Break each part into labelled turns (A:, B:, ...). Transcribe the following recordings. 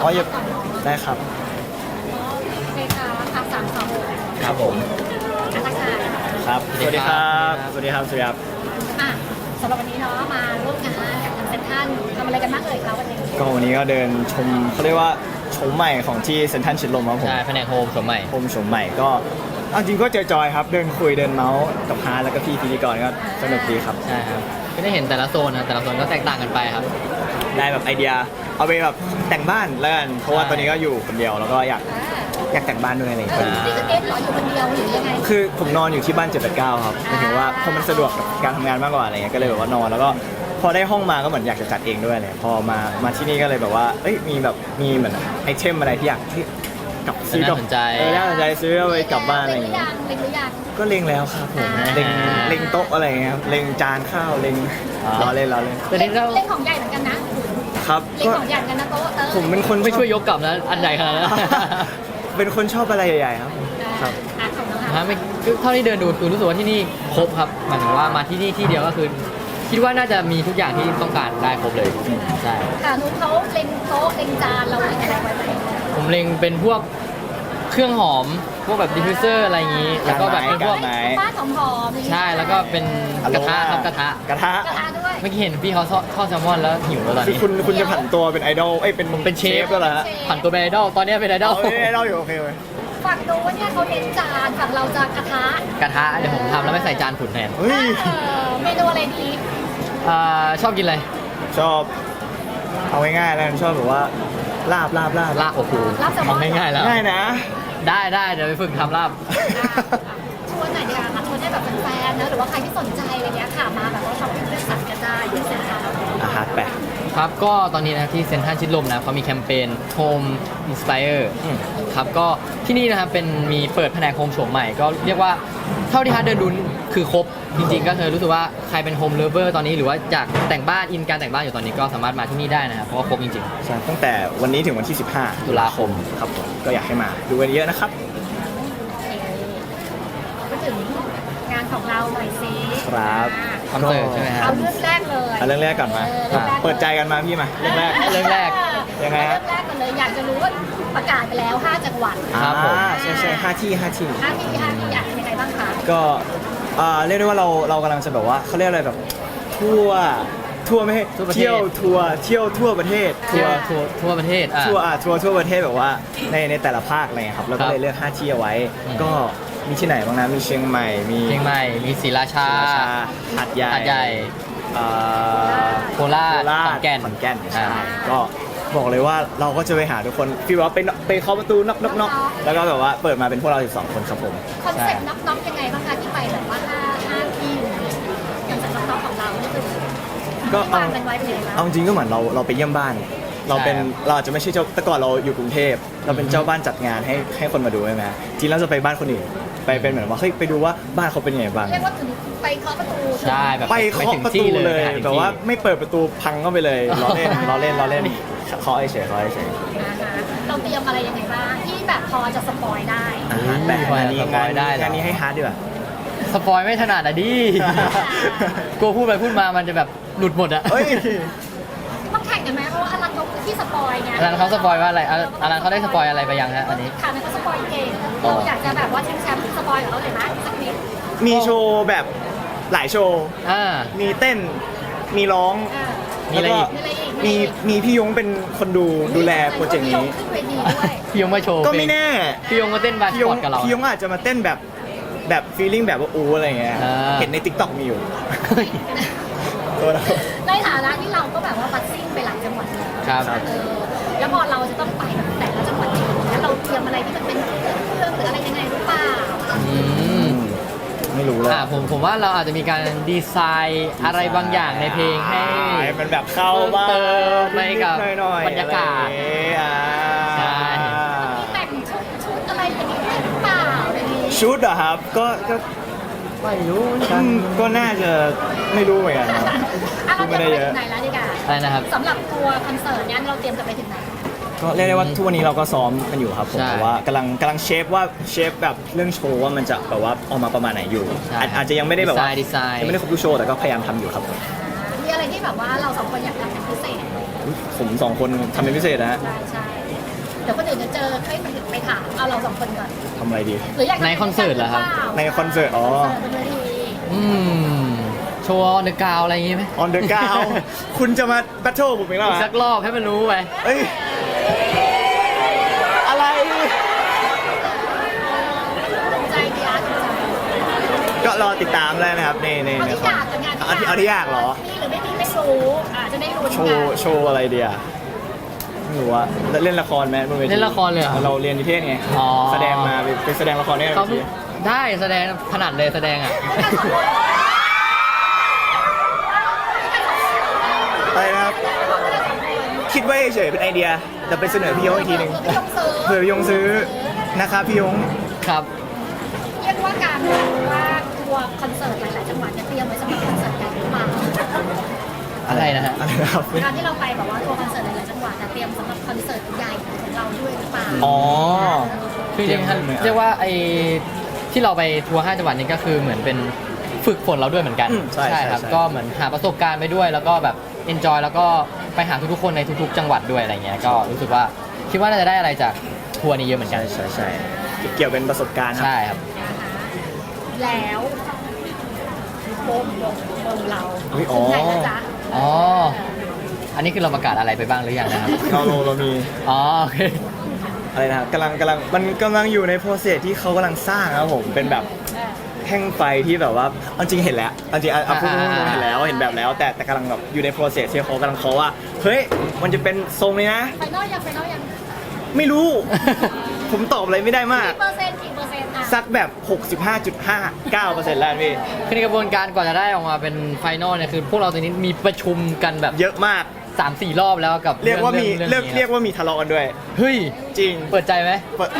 A: อ๋ออย่าได้ครับ
B: โอเคค่ะค่ะ3-2
C: ครับผม
B: ทักทาย
A: ครับ สวัสดีครับ สวัสดีครับ สวัสดีครับ
B: อ่ะสำหรับวันนี้เนาะมาร่วมงานกับทางเซ็นทรัลทำอะไรกันบ้างเอ่ยคะวันนี้
A: ก็วันนี้ก็เดินชมเขาเรียกว่าโฉมใหม่ของที่เซ็นทรัลชิดลมครับผม
C: ใช่แผนกโฮมสมัย
A: โฉมใหม่ก็เอาจริงก็จอยๆครับ เดินคุยเดินเมาส์กับฮาร์ทแล้วก็พี่พิธีกรก็สนุกดีครับ
C: ใช่ครับก็ได้เห็นแต่ละโซนนะแต่ละโซนก็แตกต่างกันไปครับ
A: ได้แบบไอเดียเอาไปแบบแต่งบ้านแล้วกันเพราะว่าตอนนี้ก็อยู่คนเดียวแล้วก็อยากแต่งบ้านด้วยอะไรอย่างเงี้ย
B: นี่คือเอสเหรออยู่คนเดียวหรือยังไง
A: คือผมนอนอยู่ที่บ้าน789ครับหมายถึงว่าเพราะมันสะดวกกับการทำงานมากกว่าอะไรเงี้ยก็เลยแบบว่านอนแล้วก็พอได้ห้องมาก็เหมือนอยากจะจัดเองด้วยเลยพอมาที่นี่ก็เลยแบบว่าเอ้ยมีเหมือนไอเทมอะไรที่อยากที่กลับซื้อกลับ
C: น่าสนใจ
A: น่าสนใจซื้อเอาไปกลับบ้านอะไรอย่าง
B: เล็งหรือ
A: เงี้
B: ยั
A: ย
B: งเล็งหรือยัง
A: ก็เล็งแล้วครับผม
B: อ่า
A: เล็งโต๊ะอะไรเงี้ยครับเล็งจานข้าวเล็งล้อเล่น
C: แต่นี่เรา
B: เล็งของใหญ่เหมือนกันนะครับ เล็ง
A: ก็
B: ของใหญ่เหมือนกันนะโต๊ะ
A: ผมเป็นคน
C: ไม่ช่วยยกกลับนะอันใหญ่ขนาดนั้น
A: เป็นคนชอบอะไรใหญ่ๆครับครับ
B: อ่ะของน้อง
C: ฮะ
B: ฮะ
C: ไม่คือเท่าที่เดินดูคือรู้สึกว่าที่นี่ครบครับหมายถึงว่ามาที่นี่ที่เดียวก็คือ คิดว่าน่าจะมีทุกอย่างที่ต้องการได้ครบเลยใช่
B: ค่ะนุ๊กเขาเล็งโต๊ะเล็งจานเราเล็งอะไรไว้ไหม
C: ผมเล็งเป็นพวกเครื่องหอมพวกแบบดิฟฟิวเซอร์อะไรอย่างนี้ แล้วก็แบบเป็นพวก
A: ไหน
B: บ้านหอมๆอย่างนี้
C: ใช่แล้วก็เป็นกระทะครับกระทะ
A: กระทะ
B: กระทะด้วย
C: เมื่อกี้เห็นพี่เขาทอดแซลมอนแล้วหิวแล้วตอน
A: คือ
C: นี้
A: คุณจะผันตัวเป็นไอดอลเอ้ยเป็น
C: เชฟ
A: แล้วเหรอฮะ
C: ผ่านตัวเป็นไอดอลตอนนี้เป็นไอดอ
A: เอา
C: ล
A: ไอดอลอยู่โอเคเลย
B: ฝั่งนู้นเนี่ยเขาเน้นจานฝั่งเราจะกระทะ
C: กระทะเดี๋ยวผมทำแล้วไม่ใส่จานขุนแทน
A: เฮ้ย
B: เมนูอะไรดี
C: ชอบกินอะไร
A: ชอบเอาง่ายๆแล้วกันชอบแบบว่าลาบ
C: ลาบโอ้โห
B: ลาบแซลมอน
C: ทำง่ายๆแล้ว
A: ง่ายนะ
C: ได้เดี๋ยวไปฝึกทำลาบ
B: ชวนหน่อยดีกว่าค่ะชวนให้แบบเป็นแฟนนะหรือว่าใครที่สนใจอะไรเงี้ยค่ะมาแบบว่าช้อปปิ้งเลือกสรรกันได้ที่เซ็นทรัล
A: อาหารแปะ
C: ครับก็ตอนนี้นะครับที่เซ็นทรัลชิดลมนะเขามีแคมเปญ Home Inspire
A: อืม
C: ครับก็ที่นี่นะครับเป็นมีเปิดแผนกโฮมโฉมใหม่ ก็เรียกว่าเท่าที่ฮาร์ดเดินดูคือครบจริงๆ ก็คือรู้สึกว่าใครเป็นโฮมเลเวอร์ตอนนี้หรือว่าอยากแต่งบ้านอินการแต่งบ้านอยู่ตอนนี้ก็สามารถมาที่นี่ได้นะครับเพราะว่าครบจริง
A: ใช่ตั้งแต่วันนี้ถึงวันที่ 15
C: ตุลาคม
A: ครับผมก็อยากให้มาดูกันเยอะนะครับ
B: ก็ถึงงานของเราหน่อยสิ
A: ครับ
C: คอนเสิร์ตใช่ไหมฮะ
B: เอาเรื่องแรกเลย
A: เอาเรื่องแรกก่อนมา เปิดใจกันมาพี่มาเรื่องแรก
C: เรื่องแรก
A: ยังไงฮะ
B: เรื่องแรกกันเลยอยากจะรู้ว่าประกาศไปแล้ว 5 จังหวัด
C: ครับผม
A: ใช่5 ที่
B: 5 ที่อยากเป็นยังไงบ้างคะ
A: ก็เรียกได้ว่าเรากำลังจะแบบว่าเขาเรียกอะไรแบบทั่วไม่ให้
C: ทั่วประเทศ
A: เที่ยวทั่วประเทศ
C: ๆทั่วประเทศอ่ะ
A: ทั่วประเทศแบบว่าในแต่ละภาคอะไรเงี้ยครับแล้วก็เลยเลือก5ที่เอาไว้
C: อืม
A: ก็มีที่ไหนบ้างนะมีเชียงใหม่มี
C: เชียงใหม่มีศรีราชา
A: ศรีราชาหาดใหญ่
C: หาดใหญ่
A: เอ่อ
C: โคราช
A: โคราช
C: ขอนแก่น
A: ใช่
C: อ่า
A: ก็บอกเลยว่าเราก็จะไปหาทุกคนฟีลว่าไปเคาะประตูน็อกแล้วก็แบบว่าเปิดมาเป็นพวกเรา12คนครับผม
B: คอนเซ็ปต์น็อกๆยังไงบ้างคะที่ไปแบบว่า5 ที่อย่างจากน็อกๆของเรานี่คือ
A: ก็
B: วางกันไว้เป็นยังไงบ้าง
A: เอาจริงก็เหมือนเราไปเยี่ยมบ้าน เราเป็น
C: ใช่ครับ
A: เราอาจจะไม่ใช่เจ้าแต่ก่อนเราอยู่กรุงเทพเราเป็นเจ้าบ้านจัดงานให้คนมาดูใช่ไหมจริงเราจะไปบ้านคนอื่นไปเป็นเหมือนว่าเฮ้ยไปดูว่าบ้านเขาเป็นยังไงบ้าง
B: เรียกว่าถึงไปเคาะประตู
C: ใช่แบบ
A: ไปเคาะประตูเลย
C: ไปถึงที่
A: แบบว่าไม่เปิดประตูพังเข้าไปเลยล้อเล่นเคาะเฉย
B: นะคะเราเตรียมอะไรยังไงบ้างที่แบบพอจะสปอยได้
A: อาหารแบบงานนี้
C: สปอยได้เหรอ
A: งานนี้ให้ฮาร์ดดีกว่า
C: สปอยไม่ถนัดอ่ะดิ กลัวพูดไปพูดมามันจะแบบหลุดหมดอ่ะ
A: เฮ้ย
B: ต้องแข่งกันไหมเพราะว่าอลันเขาคือที่สปอยไง
C: อันนั้นเขาสปอยว่าอะไรอันนั้นเขาได้สปอยอะไรไปยังฮะอันนี้
B: ค่ะนั่นเขาสปอยเก่งเราอยากจะแบบว่าแชมป์สปอยกับเขาเลยไหมสักนิด
A: มีโชว์แบบหลายโชว์ มีเต้นมีร้อง
C: มีอะไรอีก
A: มีพี่ยงเป็นคนดูแลโปรเจกต์นี้
B: ขึ้นเวทีด้วย
C: พี่ยงมาโชว์
A: ก็ไม่แน่
C: พี่ยงมาเต้นบาส
A: พี่ย
C: ปอง ร์ตกับเรา
A: พี่ยงอาจจะมาเต้นแบบฟีลลิ่งแบบว่าอะไรเงี้ย
C: อ่า
A: เห็นใน TikTok มีอยู่ตัวเรา
B: ในฐานะที่เราก็แบบว่าบัสซิ่งไปหลายจังหวัดแล้ว
C: ครับ
B: แล้วพอเราจะต้องไปแบบแต่ละจังหวัดเองแล้วเราเตรียมอะไรที่มันเป็นเครื่องหรืออะไรยังไงหรือเปล่า
C: อืม
A: ไม่รู้เลย
C: ผมว่าเราอาจจะมีการดีไซน์อะไรบางอย่างในเพลงให้
A: มันแบบเข้าบ้าง
C: เติมไปกับ
A: นิดๆหน่อยๆ
C: บรรยากาศ
A: อะไรอย่างเงี้ย
C: ใช่
B: แต่งชุดอะไรอย่างนี้ด้วยหรือเปล่าอะไรอย่างนี้
A: ชุดเหรอครับก็
C: ไม่รู้
A: ก็น่าจะไม่รู้เหมือนกันครับ
B: อ่ะเรา
A: พูด
B: เต
A: ไม่
B: รีย
A: ได้
B: ม
A: เย
B: ไป
A: อะ
B: ถึงไหนแล้วดีกว่า
C: อะไรนะครับ
B: สำหรับตัวคอนเสิร์ตเนี้ยเราเตรียมจะไปถึงไหน
A: ก็เรียกได้ว่าทุกวันนี้เราก็ซ้อมกันอยู่ครับผม
C: ใช่
A: แต่ว่ากำลังเชฟแบบเรื่องโชว์ว่ามันจะแบบว่าออกมาประมาณไหนอยู่
C: ใช่
A: อาจจะยังไม่ได้แบบว่า
C: ดีไซน์
A: ยังไม่ได้ครบทุกโชว์แต่ก็พยายามทำอยู่ครับผม
B: มีอะไรที่แบบว่าเราสองคนอยากทำเป็นพิเศษ
A: ผมสองคนทำเป็นพิเศษนะฮะ
B: ใช่เดี๋ยวคนอื่นจะเจอไม่ถามเอาเราสองคนก่อน
A: ทำอะไรดี
B: หรืออยาก
C: ในคอนเสิร์ตเหรอครับ
A: ในคอนเสิร์ตอ๋อ
B: คอนเสิร์ตบนเวที
C: โชว์เดอะกาวอะไรอย่างงี้ไหม
A: On the ground คุณจะมาแบทเทิลผมอีกแล้วเหร
C: อี
A: อก
C: สักรอบให้มันรู้ไป
A: เอ้ย อะไร
B: ถูกใจดีอาร์ถูกใจ
A: ก็รอติดตามได้นะครับใน
B: เอาที่
A: ค
B: อ
A: อน
B: ยากกับงาน
A: เอาที่อยากเหรอ
B: มีหรือไม่มีไม่รู้จะได้รู้
A: โชว์อะไรเดียไม่รู้ว่าเล่นละครไหมบนเวที
C: เล่นละครเลยเหรอ
A: เราเรียนนิเทศไง
C: อ๋อ
A: แสดงมาไปแสดงละครได้
C: เขา
A: ไหม
C: ได้แสดงถนัดเลยแสดงอ่ะ
A: อะไรนะครับ คิดไว้เฉยๆเป็นไอเดียแต่ไปเสนอพี่ยงอีกทีหนึ่งเผื่อพี่ยงซื้อนะครับพี่ยง
C: ครับ
B: เรียกว่าการว่าทัวร์คอนเสิร์ตหลายๆจังหวัดจะเตรียมไว้สำหรับคอนเสิร์ตใหญ่หรือเปล่า
C: อะไรนะฮะ
A: อะไรนะครับ
B: การที่เราไปแบบว่าทัวร์คอนเสิร์ตหลายๆจังหวัดจะเตรียมสำหรับคอนเสิร์ตใหญ่ของเราด้วยหรือเปล่า
A: อ๋อ
C: คือจริงๆเรียกว่าไอ้ที่เราไปทัวร์5จังหวัดนี้ก็คือเหมือนเป็นฝึกฝนเราด้วยเหมือนกัน
A: ใช่
C: ครับก็เหมือนหาประสบการณ์ไปด้วย แล้วก็แบบเอนจอยแล้วก็ไปหาทุกๆคนในทุกๆจังหวัดด้วยอะไรเงี้ยก็รู้สึกว่าคิดว่าน่าจะได้อะไรจากทัวร์นี้เยอะเหมือนกัน
A: ใช่เกี่ยวเป็นประสบการณ์ครับ
C: ใช่ครับ
B: แล้ววงเรา
A: อุ๊ยอ๋อ
B: ถึงไหนแล้วจ๊ะ
C: อ๋ออันนี้คือเราประกาศอะไรไปบ้างหรือยังนะครับ
A: เรามี
C: อ๋อโอเค
A: อะไรนะครับกำลังมันกำลังอยู่ในโปรเซสที่เขากำลังสร้างครับผมเป็นแบบแท่งไฟที่แบบว่าเอาจริงเห็นแล้วเอาจริงเอาพูดตรงๆเห็นแล้วเห็นแบบแล้ว แต่กำลังแบบอยู่ในโปรเซสที่เขากำลังเขาว่าเฮ้ยมันจะเป็นทรงนี้นะ
B: ไฟนอลยัง
A: ไม่รู้ ผมตอบอะไรไม่ได้มาก
B: กี่เปอร์เซ็นต์อ่ะ
A: สักแบบ 65.59%แล้วพี่
C: คือในกระบวนการกว่าจะได้ออกมาเป็นไฟนอลเนี่ยคือพวกเราตอนนี้มีประชุมกันแบบ
A: เยอะมาก
C: 3-4 รอบแล้วกับ
A: เรียกว่ามี
C: รื่อง
A: เรียก
C: นี้
A: เรียกว่ามีทะเลาะกันด้วย
C: เฮ้ย
A: จริง
C: เปิดใจไหม
A: เปิด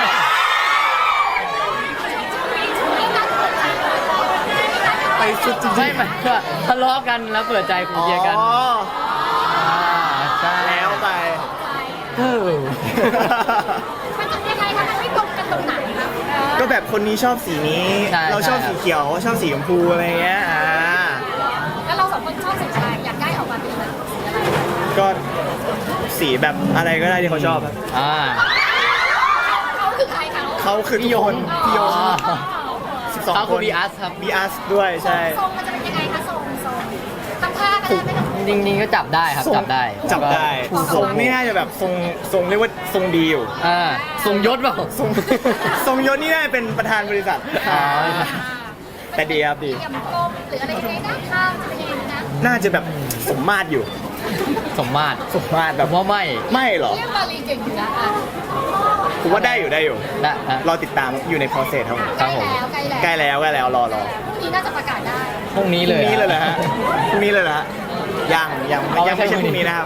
A: ไปสุดจริงๆ
C: ใช่ไหมก็ทะเลาะกันแล้วเปิดใจคุยกัน
A: อ๋อ
C: ใช่
A: แล้วไป
C: เออ
B: มันจะยังไงคะมันไม่ตรงกันตรงไหนคะ
A: ก็แบบคนนี้ชอบสีนี้ เราชอบสีเขียวชอบสีชมพูอะไรเงี้ย
B: แล้วเราสองคนชอบสีอะไรอยากได้ออกมาเป็นแบบสีอะไร
A: ก็สีแบบอะไรก็ได้ที่เขาชอบครับ
C: อ่า
B: เขาคือใครเขา
A: เขาคือทุกคนพี่ยง
C: เขา
A: 12 ค
C: คือน บีอาร์ครับ
A: บีอาร์ด้วยใช่
B: ทรงมันจะเป็นยังไงคะทรงทำท่าก็ได้ไม่ต้อง
C: จริงๆก็จับได้ครับ
A: ทรง
C: จับได้
A: จับได้
C: ถูก
A: ทรงนี่น่าจะแบบทรงเรียกว่าทรงดีอยู่
C: อ่าทรงยศเปล่า
A: ทรงยศนี่น่าจะเป็นประธานบริษัท
C: อ๋อ
A: แต่ดีครับดี
B: เตรียมกลมหรืออะไรยังไงนะข้างจะเป็นยังไงนะ
A: น่าจะแบบสมมาตรอยู่
C: สมมาตร
A: สมมาตร
C: ผ
A: แบบ
C: มว่าไม่
A: ไม่หรอ
B: เรียกบาลีเก่งอยู่นะ
A: ผมว่าได้อยู่
C: นะนะ
A: รอติดตามอยู่ใน process ครับผม
C: ครับผม
B: ใกล้แล้ว
A: ใกล้แล้วรอ
B: พรุ่งนี้น่าจะประกาศได้
C: พรุ่งนี้
A: พ
C: เล
A: รุ่ง
C: ย
A: นี้เลยเหรอฮะพรุ่งนี้เลยเหรอฮะยังไม่ใช่พรุ่งนี้นะครับ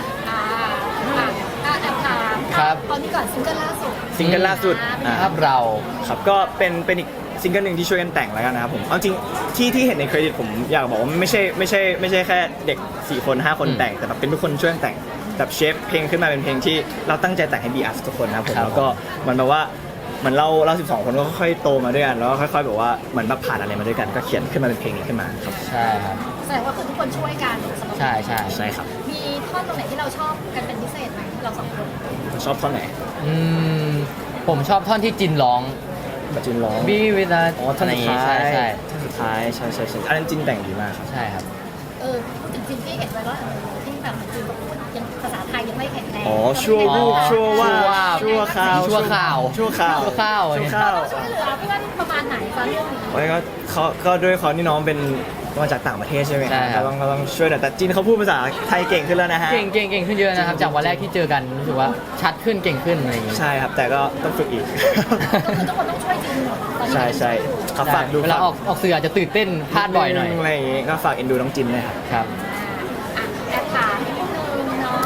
B: แอบถาม
C: ครับ
B: ตอนนี้ก่อนซิงเกิลล่าสุด
A: ซิงเกิลล่าสุด
C: ภาพเรา
A: ครับก็เป็นอีกซิงเกิลหนึ่งที่ช่วยกันแต่งแล้วกันนะครับผมเอาจริงที่เห็นในเครดิตผมอยากบอกว่าไม่ใช่แค่เด็ก4คน5คนแต่งแต่แบบเป็นทุกคนช่วยกันแต่งแบบเชฟเพลงขึ้นมาเป็นเพลงที่เราตั้งใจแต่งให้บีอาร์ทุกคนนะครับผมแล้วก็มันแบบว่าเหมือนเรา12 คนก็ค่อยๆโตมาด้วยกันแล้วก็ค่อยๆแบบว่าเหมือนแบบผ่านอะไรมาด้วยกันก็เขียนขึ้นมาเป็นเพลงนี้ขึ้นมาครับ
C: ใช่ครับ
B: แสดงว่าคือทุกคนช่วยกันสำหรับ
C: ใช่ใช่
A: ใช่ครับ
B: มีท่อนตรงไหนที่เราชอบกันเป็นพิเศษไหมเราสองคน
A: ชอบท่อนไหน
C: อืมผมชอบท่อนที่จินร้อง
A: บัจจินร้อง
C: บีเวลา
A: อ๋อท่อนสุดท้าย
C: ใช่ใช่
A: ท่อนสุดท้ายใช่อันนั้นจินแต่งดีมากครับ
C: ใช่ครับ
B: พูดถึงซินที่เห็นไว้ว่าที่แบบมันคือเขาพูดยังภาษาไทยยังไม่แข็งแรง
A: อ๋อชั่ววูบชั่วว่าชั่วคราว
C: ชั่วข่าว
A: ชั่วข่าว
C: ชั่วข้าว
A: ชั่วข้าว
B: เราช่วยเหลือเพื่อนประมาณไหนคะเรื่องนี้
A: โอ้ยก็ด้วยเขาที่น้องเป็นมาจากต่างประเทศใช่ไหม
C: ใช่ครับ
A: ก็ต้องช่วยหน่อยแต่จินเขาพูดภาษาไทยเก่งขึ้นแล้วนะฮะ
C: เก่งขึ้นเยอะนะครับ จากวันแรกที่เจอกันรู้สึกว่าชัดขึ้นเก่งขึ้นอะไรอย่างงี้
A: ใช่ครับแต่ก็ต้องฝึกอีก
B: ก็คือทุกคนต้องช่วยจริงหมดตอนนี้
A: ใช่ครับฝากดู
C: เวลาออกสื่ออาจจะตื่นเต้นพลาดบ่อยหน่อย
A: อะไรอย่างงี้ก็ฝากเอ็นดูน้องจินด้วยครับ
C: ครับ
B: แอบถามนิดนึงเนาะ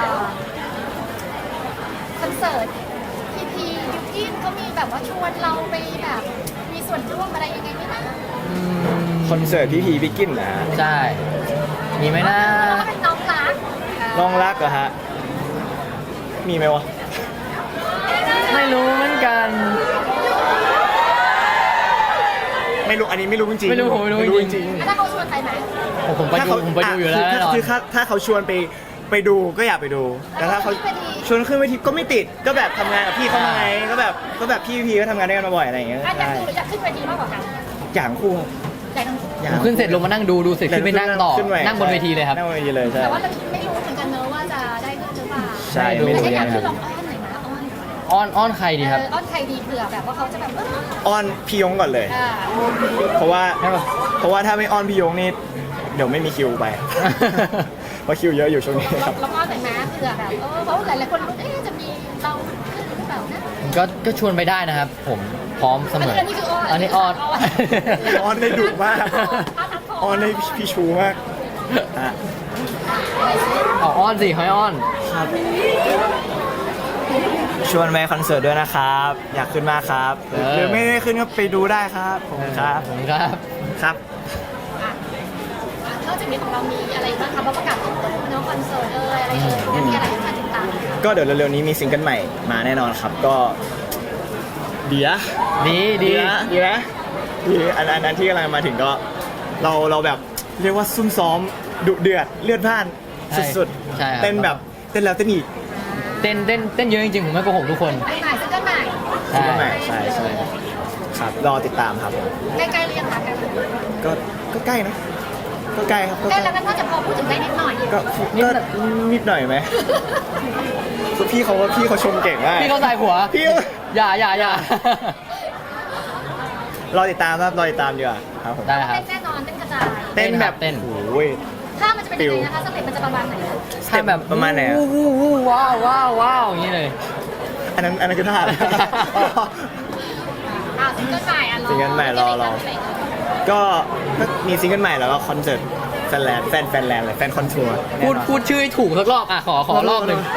B: คอนเสิร์ตพียูกินเขามีแบบว่าชวนเราไปแบบมีส่วนร่วมอะไรยังไงไหมนะ
A: คอนเสิร์ตพี่พีพี่กินนะฮะ
C: ใช่ มีไหมนะ
B: เราก็เป็นน้องรัก
A: น้องรักเหรอฮะมีไหมวะ
C: ไม่รู้เหมือนกัน
A: ไม่รู้อันนี้ไม่รู้จริงๆ
C: ไม่รู้ผมไม่รู้จริง
A: จริง
B: ถ้าเขาชวนไปไหม
C: ผมไปดูอยู่แล้วแน่นอน
A: คือถ้าเขาชวนไปไปดูก็อยากไปดูแต่ถ้าเขาชวนขึ้นเวทีก็ไม่ติดก็แบบทำงานกับพี่เขามาไงก็แบบพี่ก็ทำงานด้วยกันมาบ่อยอะไรอย่างเงี้ย
B: อยาก
A: ใช่
B: ดูหรืออยากขึ้นเวทีมากกว่ากัน
A: อย่างคู่ครับ
B: แต่ทั้งคู่
A: อย่า
C: ผมขึ้นเสร็จลงมานั่งดูเสร็จขึ้นไปนั่งต่อ
A: ขึ้ไป
C: นั่งบนเวทีเลยครับ
A: นั่งบนเวทีเลยใช่
B: แต่ว่าเราไม่รู้เหมือนกันเนอะว่าจะได้ขึ้นหรือเปล่า
A: ใช่ไม่
B: แต่
A: รู้
B: ถ้าอยาก
A: นะค
B: ขึ้
A: รั
B: น
A: บ
B: ลองอ้อนหน่อยนะอ้อน
C: อ้อนใครดีครับ
B: อ้อนใครดีเผื่อแบบว่าเขาจะแบบ
A: อ้อนพี่ยงก่อนเลย
B: อ่า
A: เพราะว่า
C: ใช่ปะ
A: ถ้าไม่อ้อนพี่ยงนี่เดี๋ยวไม่มีคิวไป เพราะคิวเยอะอยู่ช่วงนี้ครับ
B: แล้วอ้อนหน่อยนะเผื่อแบบเพราะหลายๆคนรู้จะมีเราขึ้นหรือเปล่านะ
C: ก็ชวนไปได้นะครับ ผมพร้อมเสมอ
B: อันนี้คืออ้อน
C: อันนี้อ้อน
A: อ้อนได้ดุมากอ้อนได้พี่ชูมากฮะ
C: เอาอ้อนสิให้อ้อน
A: ชวนไปคอนเสิร์ตด้วยนะครับ อยากขึ้นมากครับหรือไม่ได้ขึ้นก็ไปดูได้ครับผมครับ
C: ผมครับ
A: ครับ
B: นอกจากนี้ของเรามีอะไรบ้างคะเพราะประกาศตู้เนาะคอนเสิร์ตอะไรมีอะไรให้มาติดตาม
A: ก็เดี๋ยวเร็วๆนี้มีซิงเกิลใหม่มาแน่นอนครับก็เดี๋ยว
C: ดี
A: อันนั้นที่กำลังมาถึงก็เราแบบเรียกว่าซุ่มซ้อมดุเดือดเลือดพล่านสุด
C: ใช่ครับ
A: เต้นแบบเต้นแล้วเต้นอีก
C: เต้นเยอะจริงๆผมไม่โกหกทุกคน
B: ใหม่ซิงเกิลใหม่
A: ซิงเกิลใหม่ใช่ครับรอติดตามครับผม
B: ใกล้ๆเรียงค่ะกัน
A: ก็ใกล้นะก็ใกล้ครับก็
B: ใกล้แล้วก็น่าจะพอพูดถึงได้นิดหน่อย
A: ก็นิดหน่อยไหมพี่เขาชมเก่งมาก
C: พี่เขาใส่หัว
A: พี่
C: อย่า
A: รอติดตามครับรอติดตามดีกว่าครับผม
C: ได้ครับ
B: แน่นอนเต้นกระจาย
A: เต้นแบบ
C: เต้น
A: โอ้ย
B: ถ้ามันจะเป็นยังไงนะคะสเต็ปมันจะประมาณไหน
A: สเต็ปแบบประมาณไหนอะ
C: วู้ว้าวอย่างนี้เลย
A: อันนั้นคือท่าอะไร
B: ซิงเกิลใหม่อ่ะ
A: ซิงเกิลใหม่รอ ก็มีซิงเกิลใหม่แล้วก็คอนเสิร์ตแฟนแลนด์เลยแฟนคอนทัวร์
C: พูดชื่อให้ถูกสักรอบขอรอบหนึ่ง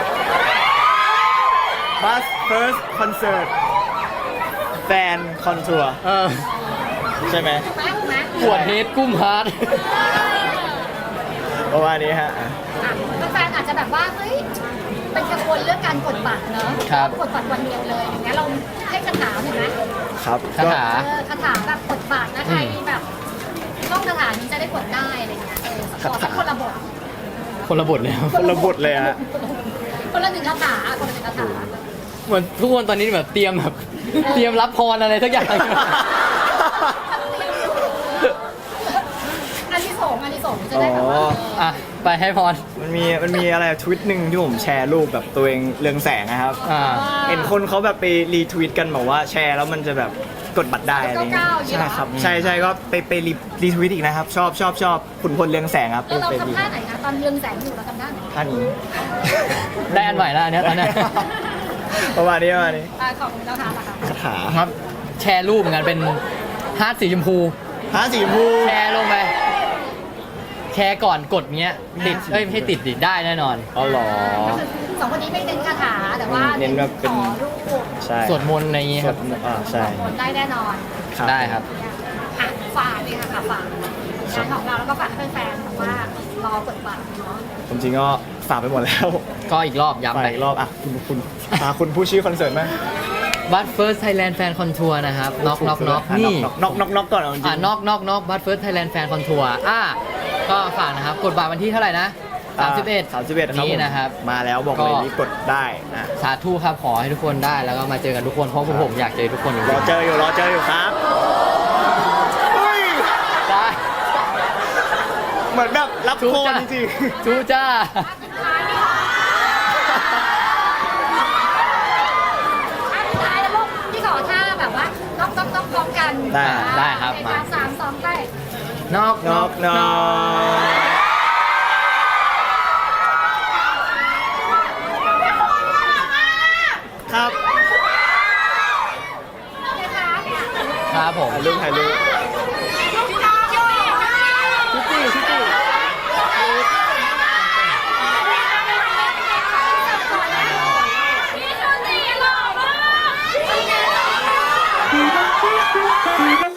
A: บัสเฟิร์สคอนเสิร์ตแฟนคอนทัวร์ ใช่ไหม
C: ปวดเฮดกุ้มฮาร์ด
A: ประมาณนี้ฮะ
B: แฟนอาจจะแบบว่าเฮ้ยเป็นกังวลเรื่องการกดบัตรเนอะกดบัตรวันเดียวเลยอย่างเงี้ยเราให้คาถาหน่อยไหม
A: ครับ
C: คาถา
B: คาถาแบบกดบัตรนะใครแบบท่องคาถานี้จะได้กดได้อะไรเงี้ยขอสักคนละบท
C: คนละบทแล้ว
A: คนละบทเลยฮะ
B: คนละหนึ่งคาถาคนละหนึ่งคาถา
C: เหมือนทุกคนตอนนี้แบบเตรียมรับพรอะไรสักอย่าง
B: อันที่สองจะได้แบบว่า
C: อ่ะไปให้พร
A: มันมีอะไรทวิตหนึ่งที่ผมแชร์รูปแบบตัวเองเรืองแสงนะครับ เห็นคนเขาแบบไปรีทวิตกันบอกว่าแชร์แล้วมันจะแบบกดบัตรได้อะไรเงี้ยใช่ครับใช่ก็ไปรีทวิตอีกนะครับ ชอบขุนพลเรืองแสงครับ
B: เรา
A: ไป
B: ทำท่าไหนนะตอนเรืองแสงอยู่เราทำท่าไหน
A: ท่านี้
C: ได้อันใหม่แล้วอันเนี้ยตอนเนี้ย
A: ประมาณนี้
B: ของเราทำอะค่ะ
A: คาถา
C: ครับ แชร์รูปเหมือนกันเป็นฮาร์ดสีชมพู
A: ฮาสีชมพู
C: แชร์ลงไปแชร์ก่อนกดเงี้ยติดไม่ให้ติดได้แน่นอน
A: อ๋อเหรอ
B: สองคนนี้ไม่เน้นคาถาแต่ว่า
A: เน้นแบบเป็น
B: ขอรูป
A: ใช่
C: สวดมนต์อะไรอย่างงี้ครับ
A: ใช่
B: คนได้แน่นอน
C: ได้ครับ
B: อ่ะฝากเลยค่ะฝากงานของเราแล้วก็ฝากให้แฟนๆแบบว่ารอกดบัตรเนาะ
A: ผมจริงก็ฝากไปหมดแล้ว
C: ก็อีกรอบย้ำ
A: ไป
C: ไป
A: อีกรอบอ่ะคุณผู้ชื่อคอนเสิร์ตไหม
C: บัตเฟิร์สไทยแลนด์แฟนคอนทัวร์นะครับน็อกนี่
A: น็อกก่อนเอาจริง
C: น็อกบัตเฟิร์สไทยแลนด์แฟนคอนทัวร์ก็ฝากนะครับกดบัตรวันที่เท่าไหร่นะ31
A: ครับ
C: นี้นะครับ
A: มาแล้วบอกเลย
C: ก็
A: นี่กดได้นะ
C: สาธุครับขอให้ทุกคนได้แล้วก็มาเจอกันทุกคนเพราะผมอยากเจอทุกคนจริง
A: รอเจออยู่ครับเฮ้ย
C: ๆได้
A: เหมือนแบบรับโคนจริง
C: จูจ้า
B: ท้ายแล้วลูกพี่ขอท่าแบบว่าน็อกพร้อมกัน
C: ได้ครับมา
B: 3 2ไป
C: น็อก
A: น็อกครับ
B: นะคะ
C: ครับผม
A: ถ่ายรูป
B: พี่ชนดีหล่อมาก